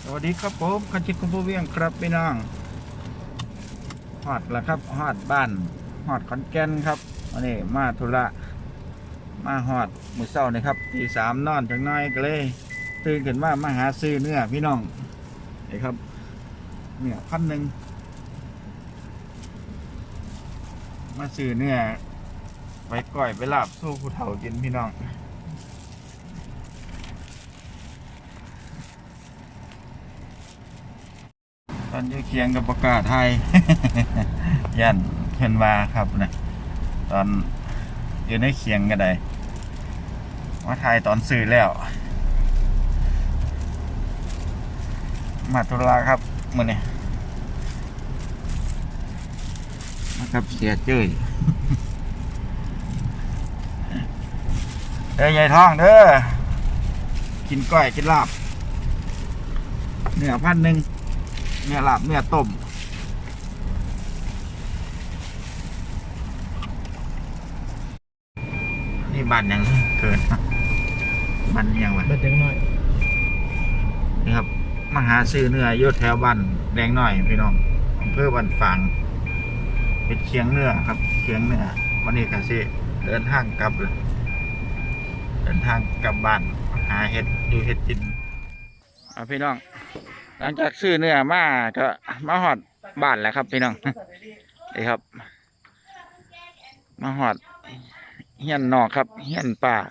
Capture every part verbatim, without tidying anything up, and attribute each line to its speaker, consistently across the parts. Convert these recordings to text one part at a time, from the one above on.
Speaker 1: สวัสดีครับผมคันชิดคุณผู้เวียงครับพี่น้องฮอดแล้วครับฮอดบ้านฮอดขอนแก่นครับวันนี้มาธุระมาฮอดมื้อเช้านี่ครับตีสามนอนจังน้อยก็เลยตื่นขึ้นมามาหาซื้อเนื้อพี่น้องนี่ครับเนื้อพันหนึ่งมาซื้อเนื้อไว้ก่อยไปลาบสู้ผู้เฒ่ากินพี่น้องตอนอยู่เคียงกับประกาศไทย ยันเพิ่นว่าครับนะตอนอยู่ในเคียงก็ได้ว่าไทยตอนสื่อแล้วมาตุลาครับมื้อนี้มากับเสียเจ้ย เด้อยายท้องเด้อกินก้อยกินลาบเนื้อพันหนึ่งเนื้อลาบเนื้อต้มนี่บ้านยังเกินบ้านยังวะ
Speaker 2: เบ็ดเด็กน้อย
Speaker 1: นี่ครับมาหาซื้อเนื้ออยู่แถวบ้านแดงหน่อยพี่น้องอำเภอบ้านฝางเป็นเคียงเนื้อครับเคียงเนื้อวันนี้ก็สิเดินทางกลับเลยเดินทางกลับบ้านหาเห็ดอยู่เห็ดกินอ่ะพี่น้องหลังจากซื้อเนื้อมาก็มาหอดบ้านแล้วครับพี่น้อง นี่ครับมาหอดเฮียนนอกครับเฮียนป่า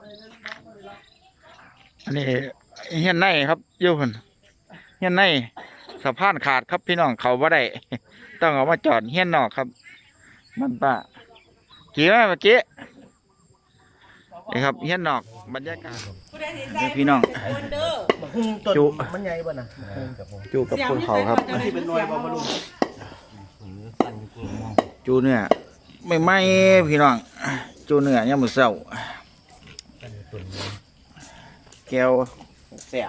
Speaker 1: อันนี้เฮียนในครับอยู่พุ่นเฮียนในสะพานขาดครับพี่น้องเขาบ่ได้ ต้องเอามาจอดเฮียนนอกครับมันป่ากี่มาเมื่อกี้นี่ครับเฮียนนอกบรรยากาศนี่พี่น้องจุมันใหญ่บ่นะจุกับคนเขาครับที่เป็นหน่วยบ่ลุงจูเนื้อไม่ไหม้พี่น้องจูเนื้อยังมือเศร้าแก้วแสบ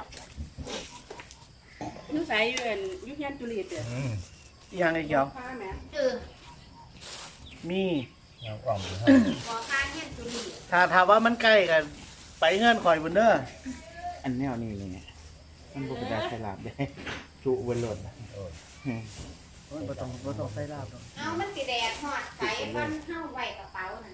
Speaker 3: ยูใส่ยูเอ็นยูเฮียนจุลีเด้อ
Speaker 2: ยังไงเกี่ยว
Speaker 3: ข้าแม่
Speaker 2: มี
Speaker 3: บ่ข้าเฮียนจุลี
Speaker 2: ถ้าถามว่ามันใกล้กันไปเงื่อนข่อยบนเด้อ
Speaker 1: อันแนวนี้เลยไงมันบุกดาสลับได้จุบนรถ
Speaker 2: โอ้ยบ่ต้องบ่ต้องใส่ลาบหรอก
Speaker 3: เอามันสิแดดฮอดใส่มันเฮาไว้กระเป๋านั่น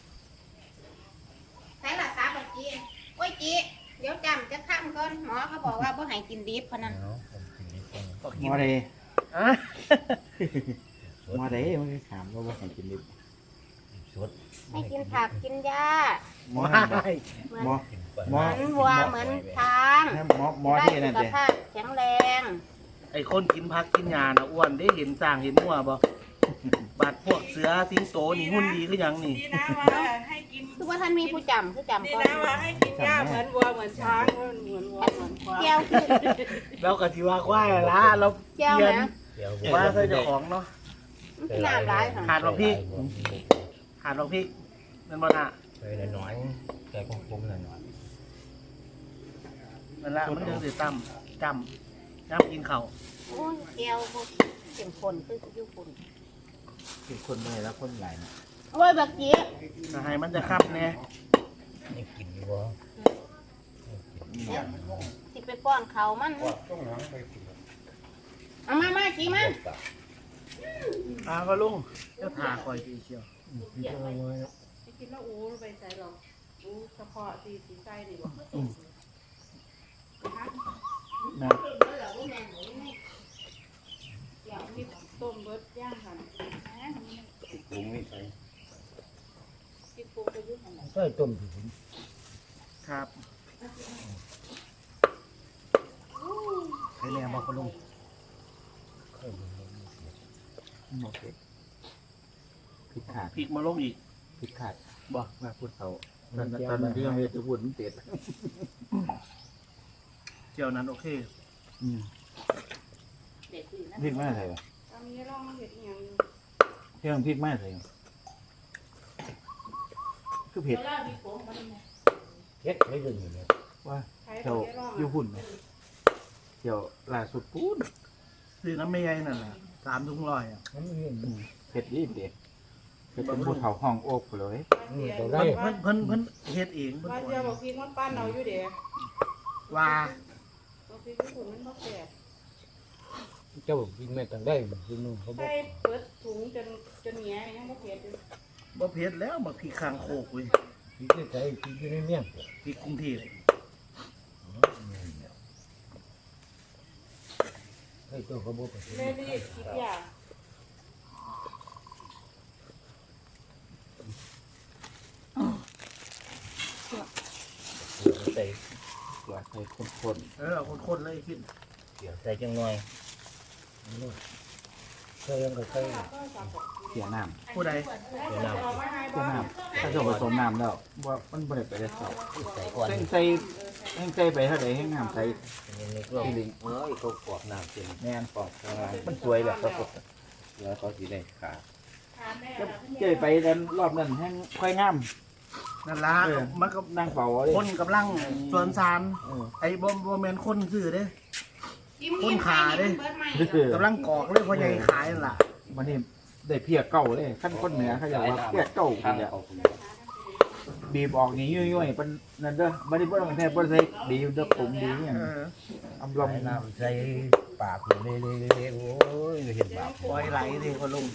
Speaker 3: ใส่ละสาบจีโอ้ยจีเดี๋ยวจำจะค้ำก่อนหมอเขาบอกว่าบ่ให้กินดิบพะนั้น
Speaker 1: มอเด
Speaker 2: อ่ะ
Speaker 1: มอเดมันคือขามว่าบ่ให้กินดิบ
Speaker 3: ให้กินผักกินหญ้าม
Speaker 1: อ
Speaker 2: ไม่
Speaker 3: เหมือน
Speaker 1: มอ
Speaker 3: เห
Speaker 1: มอ
Speaker 3: มือนวัวเหมือนช้าง
Speaker 1: มอมอที่นั่น
Speaker 3: ได้
Speaker 1: เด้
Speaker 3: สุขภาพแข็งแรง
Speaker 2: ไอ้คนกินผักกินหญ้าน่ะอ้วนได้เห็นสร้างเห็นหัวบ่บาดพวกเสือสิงโตนี่หุ่นดีคือหยังนี่
Speaker 4: ดีนะว่าให้กิน
Speaker 3: คือว่าท่านมีผู้จำคือจำ
Speaker 4: ดี
Speaker 3: ก่อน
Speaker 4: นะว่าให้กินหญ้าเหมือนวัวเหมือนช้างเหมือนเหมือนวัวเหมือนควาย
Speaker 3: แก้วคือ
Speaker 2: แล้วก็สิว่าควายละเรา
Speaker 3: แก้ว
Speaker 2: เปลี่ยน
Speaker 3: นะ
Speaker 2: ว่าใส่เจ้าของเนาะ
Speaker 3: มันคือน้ำร้ายค่ะ
Speaker 2: ขาดบักพริกขาดบักพริกนั่นบ่น่ะ
Speaker 5: เลยน้อยๆแต่กลมๆหน่อย
Speaker 2: นั่นละมันจังสิตํจำน้ำกินข้าว
Speaker 3: โอ้ยแก้วพวกเข็มข้นคืออยู่คน
Speaker 1: คือคนเมื่อยแล้วคนไหลนะ
Speaker 3: โอ้ยบักจี
Speaker 2: ถ้าให้มันจะคับแน่
Speaker 5: ๆนี่กินอยู่บ่
Speaker 3: สิไปป้อนเขามันเอามามาจีมา
Speaker 2: อาก็ลุงเจ้าทาคอยทีเชียว
Speaker 4: ให้กินแล้วอู้ไปใส่หรอกอู้เฉพาะสีสีใส่ดีกว่า
Speaker 1: นะ
Speaker 4: มีต้มเบิดย่างค่ะ
Speaker 5: ปรุงนี่ใส่
Speaker 4: กินปูไปยุ่งอะไร
Speaker 5: ใส่ต้มถึง
Speaker 2: ครับใครแน่บอกก็ลุง
Speaker 1: โอเคพริกขาด
Speaker 2: พริกมาลงอีก
Speaker 1: พริกขาด
Speaker 2: บอก
Speaker 1: มาพูดเขาตอนตอนนั้นที่ยังไม่จะพูดมันเต็ด
Speaker 2: เจียวนั้นโอเค
Speaker 1: อืม
Speaker 3: เด็กดีนะ
Speaker 1: พริกไม่ใส่
Speaker 4: ตอนนี้ลองเห็ดอีหยังอยู่
Speaker 1: เที่ยงพริกไม่ใส่คือเผ็ด
Speaker 5: เฮ็ดไม่ยืนอยู่เลย
Speaker 1: ว่า
Speaker 4: ใช้
Speaker 1: เจ้า
Speaker 4: ตัวนี้ลอง
Speaker 1: อยู่หุ่นไหมเจ้าล่าสุดปูน
Speaker 2: ซื้อน้ำไม่ใหญ่นั่นแหละสามถุงร้อยอ่ะ
Speaker 5: มันไม่เห็น
Speaker 1: เผ็ดดีเด็ดเผ็ดเป็นภูเขาห้องโอกเลย
Speaker 5: อืมตัวได้
Speaker 2: เพิ่นเพิ่นเพิ่นเพิ่นเฮ็ดเองเพิ่น
Speaker 4: ว่า
Speaker 2: สอน
Speaker 4: เจ้าบอกพี่มันปั้นเอาอยู่เด้
Speaker 2: ว่า
Speaker 4: บอกพี่ที่ญี่ปุ่นมันบ่แก่
Speaker 5: เจ้ากินไม่ต้องได้กินนู่นเขาบอก
Speaker 4: ใส่เปิดถุงจนจนแหงยังบ่เผ็ดอยู่
Speaker 2: บ่เผ็ดแล้วบักพริกคางโคกเว้ย
Speaker 5: กินได้ใจกินได้ไม่เมี่ยง
Speaker 2: พริกกรุงเทพ
Speaker 5: ให้ตัวเขาบอกไป
Speaker 4: แม่รีบคิดอยาก
Speaker 6: ใส่เกลือใส่ข้น
Speaker 2: เออเอาคนๆเลยคิด
Speaker 6: ๆเกลือใส่จังหน่อย
Speaker 5: ใส่ยังก็ใส่
Speaker 1: เสียน้
Speaker 2: ผู้ใด
Speaker 6: เกลือน้
Speaker 4: เอามาให้
Speaker 1: ำ
Speaker 4: บ่
Speaker 1: เสียน้ำถ้าจะผสมน้ำแล้วว่ามันบ่ได้ไปได้เท่า
Speaker 6: ำใส่ก่อน
Speaker 1: แห้งใส่แห้งใส่ไปเท่าใดแห้งน้ำใส่
Speaker 6: นี่ก็เอ้ยเขากรอบน้ำเต็ม
Speaker 1: แม่น
Speaker 6: ปอกข้างล่าง
Speaker 1: มันสวยแบบครับ
Speaker 6: แล้วเขาสีได้ขา
Speaker 4: ทานแม่
Speaker 1: ก็เจยไปดันรอบนั้นแห้งค่อยงาม
Speaker 2: นั่นล่ะ
Speaker 1: เออ
Speaker 2: มันก็
Speaker 1: นั่งเฝ้าเอาเลย
Speaker 2: คนกำลังสวนสาร
Speaker 1: เออ
Speaker 2: ไอ้บ่บ่แม่นคนซื้อเด้
Speaker 3: จิ้มยิ้มไปนี่มันเบิดใหม่
Speaker 1: เออก
Speaker 2: ำลังกอกเลยพ่อใหญ่ขายนั่นล่ะ
Speaker 1: วันนี้ได้เพียเก่าเลยขั้นคนเหนือเขาอยากว่าเพียเก่า
Speaker 6: ทาง
Speaker 1: เนี่ย
Speaker 6: เขา
Speaker 1: บีบออกนี่ย่อยๆเป็นนั่นเด้อไม่ได้บ่ต้องแท้บ่ได้ใส่บีบเด้อผมดีเนี่ย
Speaker 2: เออ
Speaker 1: อำล
Speaker 6: ใส่น้ำใส่ปากอยู่เลยเลยๆๆโอ้ยเห็นบาป
Speaker 2: ปล่อยไหลสิพ่อลุง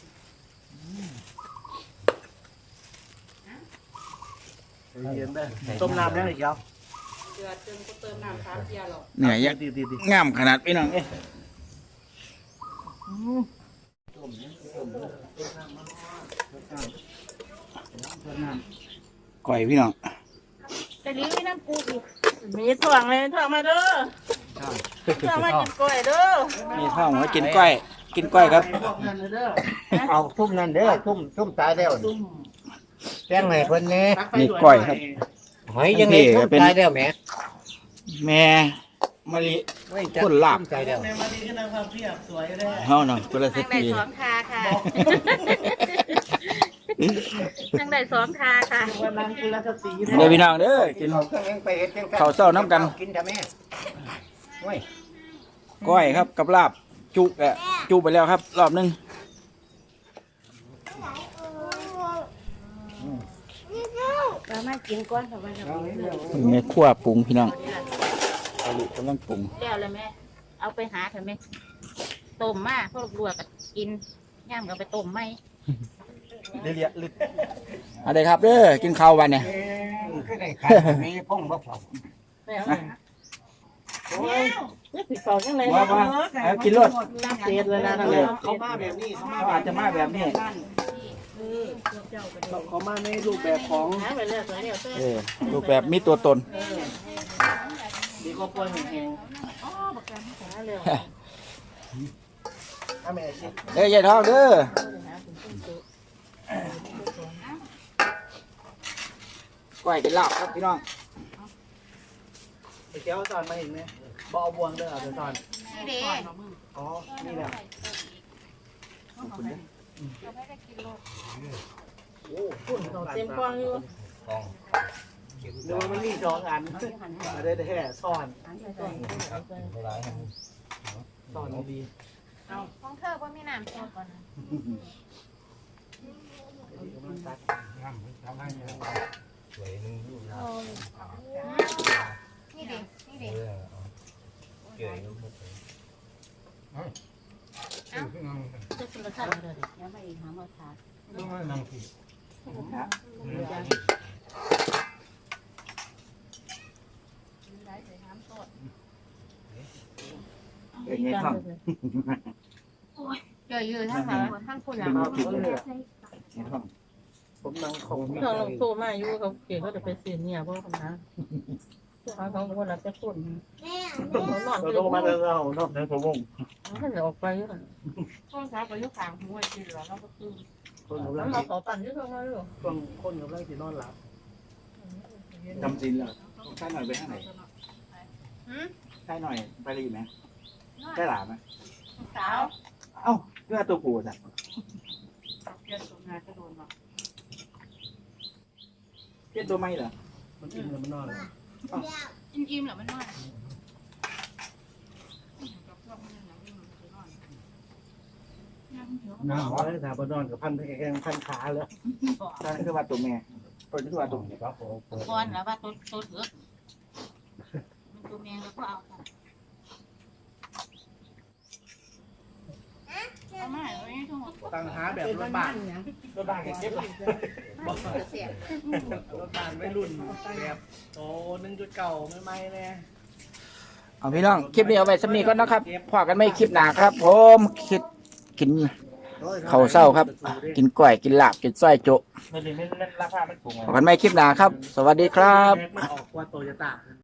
Speaker 2: เย็นๆเด้อต้มน้ำได้อีกแล้ว
Speaker 4: เดือดจนก็เติมน้ำสามเทียหรอก
Speaker 1: ำเนี่ยยัก
Speaker 2: ดีดี
Speaker 1: งามขนาดพี่น้องเอ้ยก่อยพี่น้อง
Speaker 3: แต่ลิ้วน้ำปูอีก
Speaker 4: มีถ่วงเลยถ่วงมาเด้อถ่วงมากินกล้วยเด้อ
Speaker 1: มีท้องว่ากินก้อย กินก้อยครับ
Speaker 5: เอาทุ่มนั่นเด้อทุ่มทุ่มตายแล้วแจ้งให้เพิ่นแน่
Speaker 1: นี่ก้อยครับ
Speaker 5: หอยยังไงทุ่มตายแล้วแหม
Speaker 1: แม่มะลิ คนลาบ
Speaker 5: ทุ่มตายแล้ว
Speaker 2: แม่มาดีขึ้นนะความเพียบสวยได้
Speaker 1: เฮาเนาะตัวละสิ
Speaker 3: ทางใด
Speaker 1: ปี
Speaker 3: สองทาค่ะทางใดสองทาค่ะ
Speaker 2: วันนั้นคุณรัชสี
Speaker 1: เด้อพี่น้องเด้อกิน
Speaker 5: เอาเครื่องยังไปเฮ็ดจัง
Speaker 1: ข้าวเช้าน้ำกัน
Speaker 5: กินแต่แม่โอ้ย
Speaker 1: ก้อยครับกับลาบจุแอะจุไปแล้วครับ รอบหนึงเรามากินก้อนกับมันแม่ขั้วปรุงพี่น้องเอาลูกกำลังปรุง
Speaker 3: แก้วเลยแม่เอาไปหาเถอะแม่ต้มมาพวกลวกกับกินย่างก็ไปต้มไหม
Speaker 1: เรียลึกอะไรครับเด้อกินข้าววันเนี่ย
Speaker 5: ก็ได้ขายมีพ่องบ่พอ
Speaker 4: โอ้ยนี่สิเป่าจังได๋
Speaker 1: ว่าว่าเอากินรส
Speaker 4: น้ำเสียเลยนะนั่น
Speaker 2: เอ
Speaker 4: แห
Speaker 2: อ
Speaker 4: ละ
Speaker 2: เขามาแบบนี้เขามา
Speaker 1: เขาอาจจะมาแบบนี้
Speaker 2: เขามาในรูปแบบของ
Speaker 4: หาไปเรื่อยไปเรื่อย
Speaker 1: เออรูปแบบมีตัวตน
Speaker 2: ดีก็ป่วยแห้ง
Speaker 4: หาเร็ว
Speaker 2: ๆถ้าแม่ชิ
Speaker 1: เด้อยายทองเด้อก้อยเป็นลาบครับพี่น้อง
Speaker 2: ไปเจ้าตอนมาเห็นไหมบ่เอาบวงเด้อเอาไปตอน
Speaker 3: นี่เด้
Speaker 2: อ๋อนี่แหละโอ้พุ่นเขา
Speaker 4: เต็มกว้างอยู่
Speaker 2: เดี๋ยวมันมีสองอันมาได้แท้ซ่อนซ่อนดี
Speaker 3: ของเธอว่ามีน้ำซอสก่อนนะ
Speaker 6: สวยนึงอยู่นะ
Speaker 3: นี่เด้นี่เด้
Speaker 6: เออเกลืออยู่
Speaker 3: จะกินรสชาติอะไรเดี๋ยวไปหาหมอทา
Speaker 5: นั่งสิ
Speaker 1: เอ้ยยายทอง
Speaker 3: เจออยู่ทั้งหลายทั้งคุณอ่ะ
Speaker 1: ยายทอง
Speaker 2: ผมนั่งของ
Speaker 4: เขาลงโซมาอยู่เขาเก่งเขาจะไปเสียเนี่ยเพราะคำนะเขาเขาคนละจะคนเขานอน
Speaker 2: เราต้องมาเดินเราเนาะในผมวง
Speaker 4: เขาจะออกไปอยู่
Speaker 3: ช่วงเช้าไปยุคกลางหัวกินแล้วเราก็ตื่น
Speaker 2: คนกำ
Speaker 4: แล้
Speaker 2: ลั
Speaker 4: ว
Speaker 2: ง
Speaker 4: เราเขาปั่นอยู่ตรงนั้นอยู่
Speaker 2: ช่วงคนกำลังสินอนหลับ
Speaker 1: จำสินแล้วใช่หน่อยไปข้างไหน
Speaker 3: หืม
Speaker 1: ใช่หน่อยไปรีไหมได้หลาไหม
Speaker 3: สาว
Speaker 1: เอ้าเพื่อตัวปูจ้ะ
Speaker 3: เกิดตรงงานก็โดนหรอก
Speaker 1: เพี้ยนตัวไม่เหรอ
Speaker 2: มันกินแล้วมันนอน
Speaker 3: อิ่มๆเหรอมันนอน
Speaker 5: น้ำ
Speaker 2: อ๋อถามว่านอนกับพันแข้งพันขาเลย
Speaker 1: นั่นคือว่าตัวแม่ตัวนี้คือว่าตัว
Speaker 5: นี่ก็โอ้โห
Speaker 3: ก่อนแล้วว่าตัวตัวเถือกมันตัวแมงแล้วก็เอาค่ะ
Speaker 2: แบบรถบ้าน
Speaker 5: รถบ้านเก็บเลย
Speaker 2: บอกรถบ้านไม่รุ่นแบบโตหนึ่งจุดเก่าไม่ไม่แน่
Speaker 7: เอาพี่น้องคลิปนี้เอาไว้สำนีก่อนนะครับพอกันไม่คลิปหนาครับ ผมคิดกินข้าวเศร้าครับ กินกล้วยกินลาบกินส้อยโจะ
Speaker 5: ไม่ได้ไม่ราคามันสูง
Speaker 7: พอกันไม่คลิปหนาครับ สวัสดีครับ
Speaker 2: มันออกกว่าโตโยต้า